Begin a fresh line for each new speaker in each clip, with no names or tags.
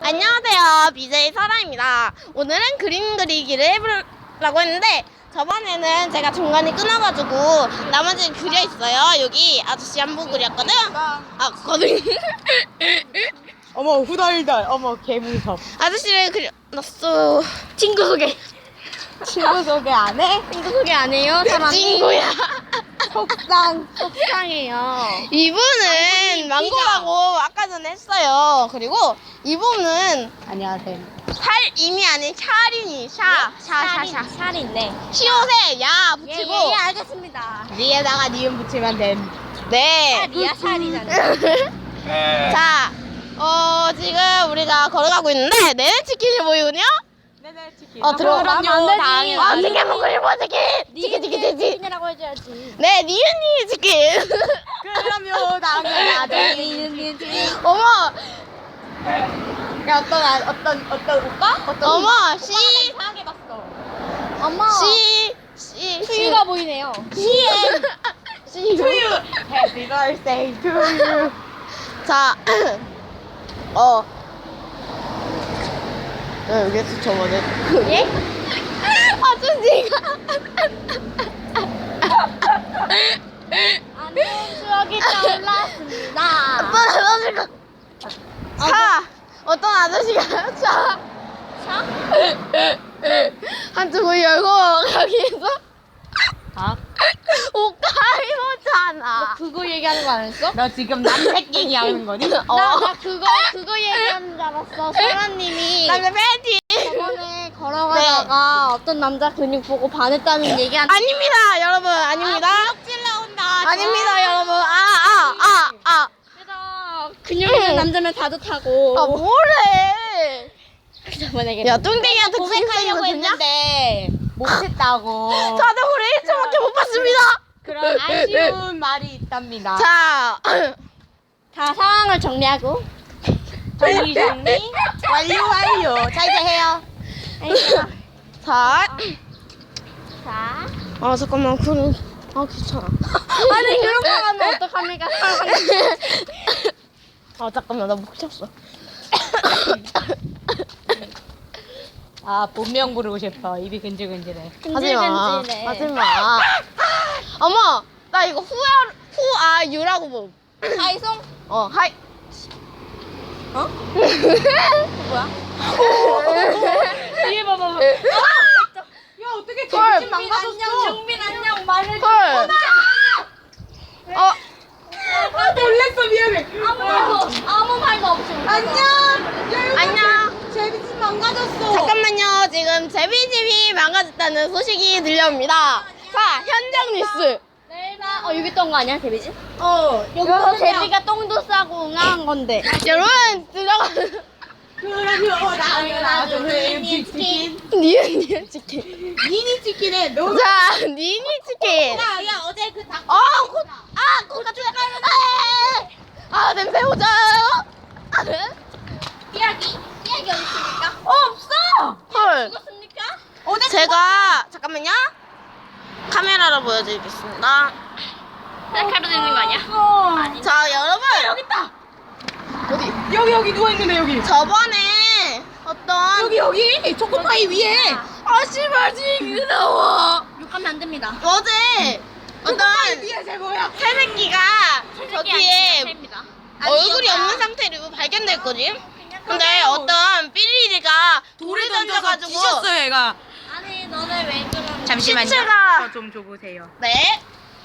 안녕하세요. BJ 설아입니다. 오늘은 그림 그리기를 해보려고 했는데 저번에는 제가 중간에 끊어가지고 나머지는 그려 있어요. 여기 아저씨 한 분 그렸거든. 거든.
어머 후덜덜 어머 개무섭.
아저씨를 그려놨어. 친구 소개.
친구 소개 안 해?
친구 소개 안 해요? 사람이? 친구야.
속상해요.
이분은 망고라고 아까 전에 했어요. 그리고 이분은
안녕하세요.
살임이 아닌 샤린이 샤.
샤린네.
시옷에 야 붙이고
예, 알겠습니다. 리에다가 니은 붙이면 됨.
네.
리아 샤린이잖아.
자, 지금 우리가 걸어가고 있는데 내내 치킨이 보이군요.
네네 치킨.
들어가면
안 되지.
치킨 먹고 싶어 치킨.
치킨이라고 해줘야지.
네, 니은이 치킨.
그럼요 당연하죠. 니은 치킨.
어머,
야 어떤 오빠?
어머, 씨,
이상하게 봤어. 어머.
씨.
수유가 보이네요.
씨.
투유. Happy birthday to you.
자, 여기서 저번에
예?
아저씨가
안 좋은 추억이 떠올랐습니다.
어떤 아저씨가 차
차?
한쪽을 열고 거기에서
아?
옷 갈아입었잖아.
그거 얘기하는 거 아니었어? 너 지금 남색 얘기하는 거니? 나 그거 얘기하는 줄 알았어. 소라님이
남자 팬티.
저번에 걸어가다가 어떤 남자 근육 보고 반했다는 얘기한.
아닙니다, 여러분. 아닙니다.
찔 나온다.
아닙니다, 여러분.
그래서 근육 있는 남자면 다듯하고.
뭐래?
저번에
야, 뚱땡이한테
고백하려고 했는데 못했다고.
저도 우리 1초밖에 못 봤습니다.
그런 아쉬운 말이 있답니다.
자,
다 상황을 정리하고. 정리. 완료. 자 이제 해요.
자.
자.
잠깐만, 귀찮아.
아니 그런 거 하면 어떡합니까?
잠깐만, 나 목 쳤어.
본명 부르고 싶어. 입이 근질근질해.
하지마. 어머, 나 이거 후아유라고 뭐.
하이송?
하이.
뭐야? 뒤에 봐봐. 야 어떻게
헐.
안녕. 정빈 안녕. 말을
헐.
놀랬어. 미안해. 아무 말도 없이.
안녕.
제비집 망가졌어.
잠깐만요. 지금 제비집이 망가졌다는 소식이 들려옵니다. 자, 현장 뉴스.
내일 봐. 여기 똥거 아니야 제비집? 여기서 제비가 똥도 싸고 응아한 건데.
여러분, 들어가.
그럼요. 나도 니니 치킨.
니은 치킨.
니니 치킨에 너.
자, 니니 치킨.
야 어제 그 닭.
코가 냄새 오자요.
삐약이 어디 있습니까?
없어. 헐.
죽었습니까?
제가 잠깐만요. 카메라로 보여드리겠습니다.
셀카로 되는 거 아니야?
자, 여러분.
여기 있다.
어디?
여기 누워 있는데 여기.
저번에 어떤
여기 초코파이 위에.
씨발 징그러워.
욕하면 안 됩니다.
어제 어떤
위에 뭐야?
새내기가 저기에 얼굴이 없는 상태로 발견됐거든. 근데 어떤 삐리리가 돌을 던져가지고
뒤졌어요, 얘가.
아니 너네 왜 그러는?
잠시만요.
시체가
저 좀 줘보세요.
네.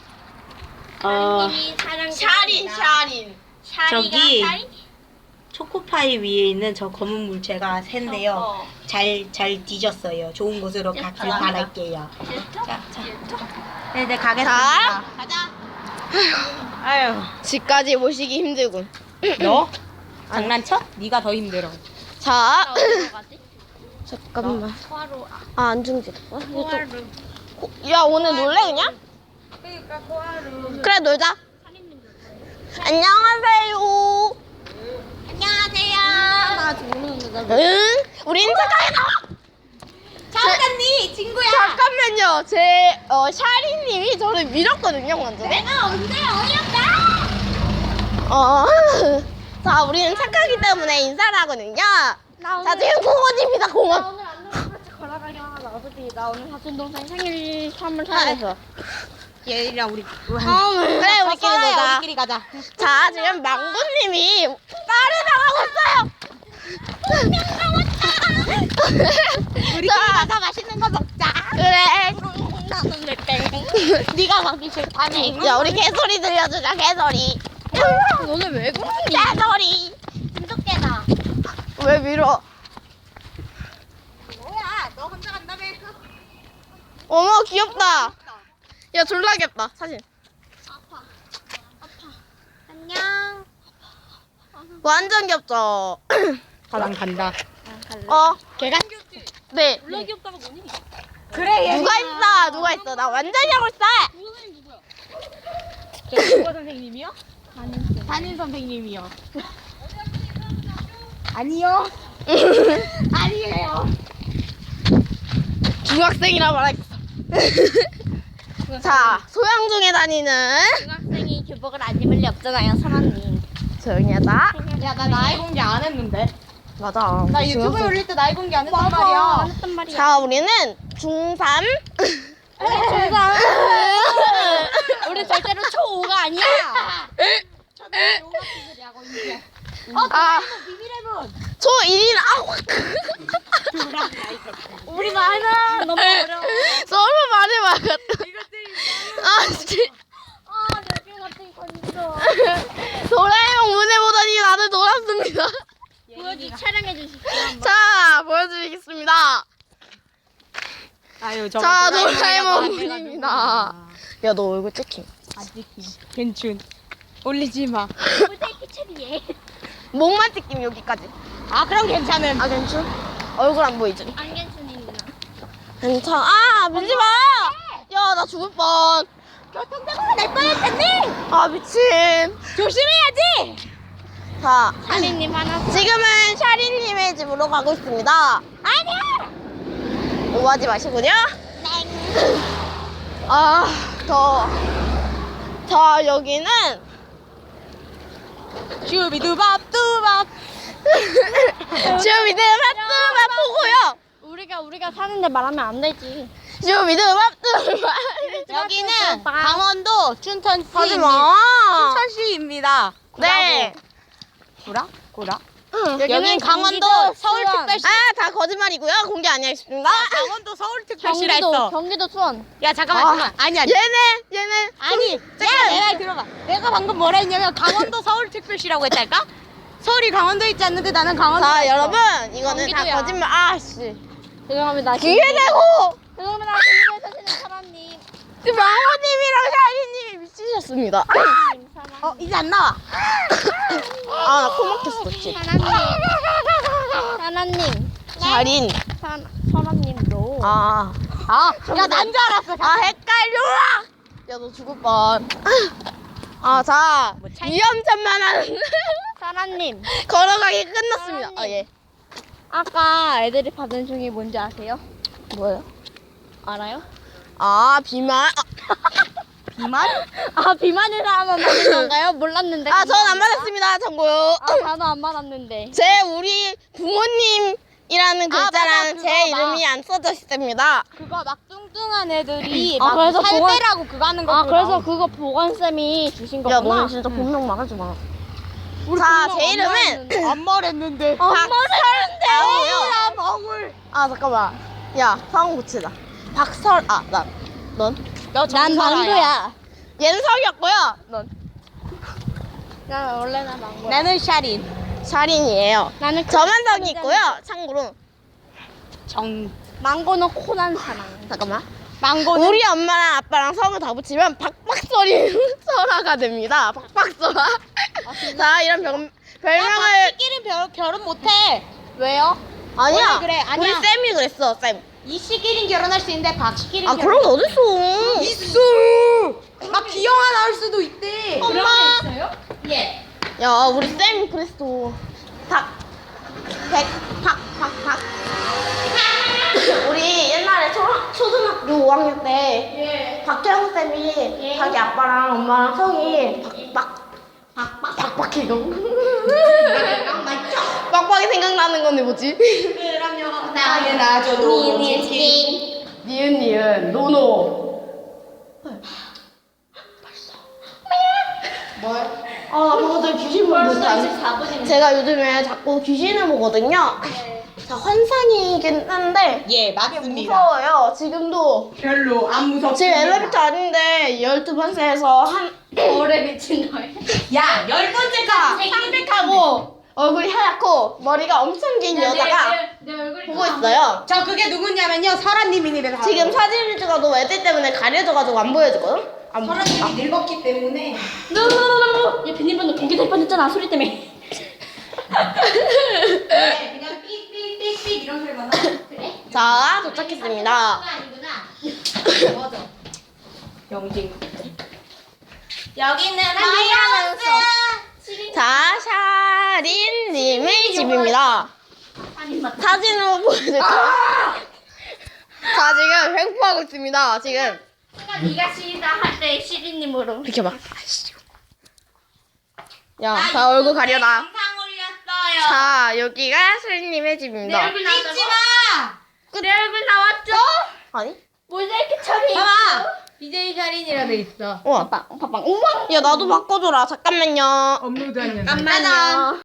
님이 사랑.
샤린.
저기 초코파이 위에 있는 저 검은 물체가 샌데요. 잘 뒤졌어요. 좋은 곳으로 가길 바랄게요. 자. 네네, 가겠습니다.
가자.
아유,
집까지 모시기 힘들군.
너? 장난쳐? 네가 더 힘들어.
자,
어디로 가지?
잠깐만.
코하루.
안 중지됐어?
코하루.
야, 오늘 놀래 그냥?
그러니까 코하루.
그래, 놀자. 안녕하세요.
안녕하세요. 나 죽는다.
응? 우린 착하게 나와.
잠깐니 친구야.
잠깐만요. 샤리님이 저를 밀었거든요, 완전히.
내가 언제 어이없다.
자, 우리는 착하기 때문에 인사를 하거든요. 자, 지금 공원입니다, 공원.
오늘 안녕 같이 걸어가기로 하자. 어차피 나 오늘 사촌 동생 생일 선물 사야돼서.
얘랑 우리
그래, 우리끼리 놀자.
우리끼리 가자.
자, 지금 망고님이 딸을 당하고 있어요.
우리끼리 가서 맛있는 거 먹자.
그래.
나는 왜 땡? 네가 가기 싫다며.
야, 우리 개소리 들려주자, 개소리.
오늘 왜 그러니?
개소리.
진돗개다.
왜 밀어?
뭐야? 너 혼자 간다며?
어머, 귀엽다. 야, 졸라 귀엽다, 사진.
안녕.
완전 귀엽죠?
난 간다.
걔가? 네.
졸라 귀엽다가 뭐니?
그래.
누가 있어? 나 완전 하고 있어.
선생님 누구야?
저 국어 선생님이요? 담임 선생님이요. 아니요. 아니에요.
중학생이라 말하겠어. 자, 소양중에 다니는
중학생이 교복을 안 입을 리 없잖아요, 선언님.
조용히 하자.
야, 나 나이 공개 안 했는데.
맞아.
나 유튜브에 올릴 때 나이 공개 안 했단 말이야.
했단 말이야.
자, 우리는 중3.
우리 절대로 초5가 아니야.
아,
비밀해본.
초1이나
우리 말은 너무 어려워.
서로 말을 막았다. 아, 씨.
아, 내게 같은 건져.
도라에몽 문에 보다니 나를 놀았습니다.
촬영해 주십시오.
자, 보여드리겠습니다.
아유,
자, 도라에몽 문입니다. 야, 너 얼굴 찍힘.
괜춘. 올리지 마.
꼴대기 처리해.
목만 찍힘, 여기까지.
아, 그럼 괜찮음.
아, 괜찮? 얼굴 안 보이지?
안견순이구나.
괜찮아. 아, 밀지 마! 야, 나 죽을 뻔.
교통사고가 날 뻔했잖니.
아, 미친.
조심해야지.
자,
사리님 하나.
지금은 샤린님의 집으로 가고 있습니다.
아니야.
오하지 마시고요. 아, 자, 여기는
슈비두밥 뚜밥.
슈비드밥 뚜밥 보고요.
우리가 사는데 말하면 안 되지.
슈비드밥 뚜밥.
여기는 강원도 춘천시입니다.
하지 마.
춘천시입니다.
네.
구라?
여기는
강원도 서울특별시.
아, 다 거짓말이고요. 공개 아니하겠습니다.
강원도 서울특별시라 했어.
경기도 수원.
야, 잠깐만. 아니야.
얘네.
아니, 내 말 들어봐. 내가 방금 뭐라 했냐면 강원도 서울특별시라고 했달까? 서울이 강원도에 있지 않는데 나는 강원도.
자, 여러분, 이거는
경기도야.
다 거짓말. 아씨.
죄송합니다.
기회 내고.
죄송합니다. 경기도에 사시는 사람님.
지금 망호님이랑 샤리님이 미치셨습니다.
이제 안 나와.
아, 나 코 막혔어, 씨.
사나님.
샤린.
선아님도.
아,
야, 난 줄 알았어.
헷갈려! 야, 너 죽을 뻔. 아, 자, 위험천만한
사나님.
걸어가기 끝났습니다. 아, 예.
아까 애들이 받은 종이 뭔지 아세요?
뭐예요?
알아요?
아, 비만.
비만?
아, 비만을 하면 받는 건가요? 몰랐는데.
아, 전 안 받았습니다. 참고요.
아, 나도 안 받았는데.
우리 부모님이라는 글자랑
맞아,
제
그거
이름이 안 써져 있습니다.
그거 막 뚱뚱한 애들이
아,
막
그래서
살빼라고 그거 하는 거.
아, 그래서 그거 보건쌤이 주신
야,
거구나.
너는 진짜 본명 말하지 마.
우리
자,
분명
제 이름은
엄마였는데.
안 말했는데.
박설대예요.
멍울.
아, 잠깐만. 야, 상황 고치자. 넌?
난 망고야.
얘는 석이었고요. 넌?
난 원래 나 망고야.
나는 샤린.
샤린이에요.
나는
저만 성이 있고요. 참고로.
망고는 코난 사람.
잠깐만.
망고는
우리 엄마랑 아빠랑 성을 다 붙이면 박박설이 설아가 됩니다. 박박설아. 자, 이런 별명을.
시끼는 결혼 못해.
왜요?
아니야.
원래 그래, 아니야.
우리 쌤이 그랬어, 쌤.
이 시끼는 결혼할 수 있는데 박시끼는
아, 그런 게 어딨어.
있어. 막 기영아 나올 수도 있대.
엄마.
예.
야, 우리 쌤이 그랬어. 박. 우리 옛날에 초등학교 5학년 때 박태영 쌤이 자기 아빠랑 엄마랑 성이 박박해요. 빡빡이 생각나는 건데 뭐지?
그럼요. 당연하죠.
니은 노노.
뭘?
아 그거들 귀신 보는 거
24분이네.
제가 요즘에 자꾸 귀신을 보거든요. 자 환상이긴 한데
예, 맞습니다.
무서워요. 지금도
별로 안 무섭습니다.
지금 엘리베이터 아닌데 12번째에서 한
벌에 미친 너야.
야, 10번째가
상백하고 얼굴이 하얗고 머리가 엄청 긴 여자가
내 얼굴이
보고 있어요.
저 그게 누구냐면요. 설아님이니까.
지금 사진을 찍어도 애들 때문에 가려져가지고 안 보여지거든? 안 보여.
설아님이 늙었기 때문에.
얘 비밀번호 공개될 뻔했잖아 소리 때문에.
네, 그냥 삑삑삑삑 이런 소리만 나. 그래?
자 도착했습니다.
아니구나.
맞아. 영진.
여기는
자 샤린님의 집입니다. 사진으로 보여드릴게요. 자 지금 횡포하고 있습니다. 지금
순간 네가 시리다 할 때 시리님으로.
비켜봐. 야, 자 얼굴 가려라.
영상 올렸어요.
자 여기가 샤린님의
내
집입니다.
얼굴 나왔죠?
잊지 마.
내 얼굴 나왔죠?
아니?
모자이크 처리.
봐봐. BJ 샤린이라 돼 있어.
우와.
팡팡 우와.
야 나도 바꿔줘라. 잠깐만요.
업로드하는.
잠깐만요.